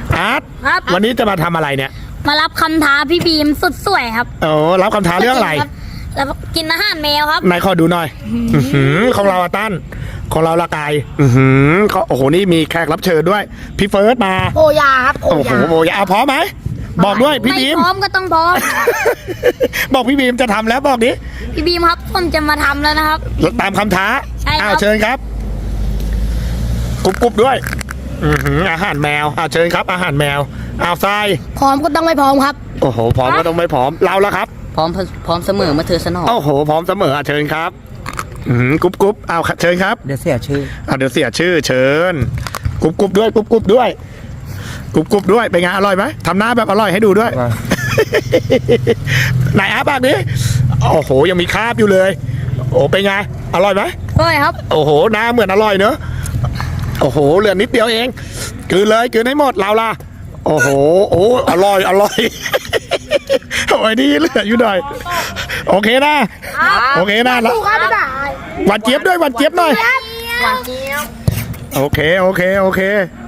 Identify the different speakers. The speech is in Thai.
Speaker 1: อาร์ต
Speaker 2: ครับ
Speaker 1: วันนี้จะมาทำอะไรเนี่ย
Speaker 2: มารับคำท้าพี่บีมสุดสวยครับ
Speaker 1: โอ้รับคำท้าเรื่องอะไร
Speaker 2: แล้วกินอาหารแมวครับ
Speaker 1: นายขอดูหน่อยของเราอะตั้นของเราละกายโอ้โหนี่มีแขกรับเชิญด้วยพี่เฟิร์สมา
Speaker 3: โอยาครับ
Speaker 1: โอ้โหโบยาพร้อมไหมบอกด้วยพี่
Speaker 2: ไม่
Speaker 1: บีม
Speaker 2: พร้อมก็ต้องพร้อม
Speaker 1: บอกพี่บีมจะทำแล้วบอกดิ
Speaker 2: พี่บีมครับผมจะมาทำแล้วนะครับ
Speaker 1: ตามคำท้า
Speaker 2: ใช่ครับ
Speaker 1: อ้าวเชิญครับกรุบด้วยอาหารแมวเชิญครับ อาหารแมวอ้าวทราย
Speaker 3: พร้อมก็ต้องไม่พร้อมครับ
Speaker 1: โอ้โหพร้อมก็ต้องไม่พร้อมเราละครับ
Speaker 4: พร้อมเสมอมาเธอสนอง
Speaker 1: โอ้โหพร้อมเสมอเชิญครับกรุบเอาเชิญครับ
Speaker 4: เดี๋ยวเสียชื่อ
Speaker 1: เดี๋ยวเสียชื่อเชิญกรุบด้วยกรุบด้วยกรุบด้วยเป็นไงอร่อยไหมทำหน้าแบบอร่อยให้ดูด้วย ไหนอาปากนี้โอ้โหยังมีคราบอยู่เลย โอ้เป็นไงอร่อยไหม
Speaker 2: สวยครับ
Speaker 1: โอ้โหหน้าเหมือนอร่อยเนอะโอ้โหเหลือนิดเดียวเองกินเลยกินให้หมดเราล่ะโอ้โหโอ้อร่อยโอ้ยนี่เหลืออยู่หน่อยโอเคนะโอเคนะแล้วหวานเจี๊ยบด้วยหวานเจี๊ยบหน่อย
Speaker 3: หวานเจี๊ยบ
Speaker 1: โอเค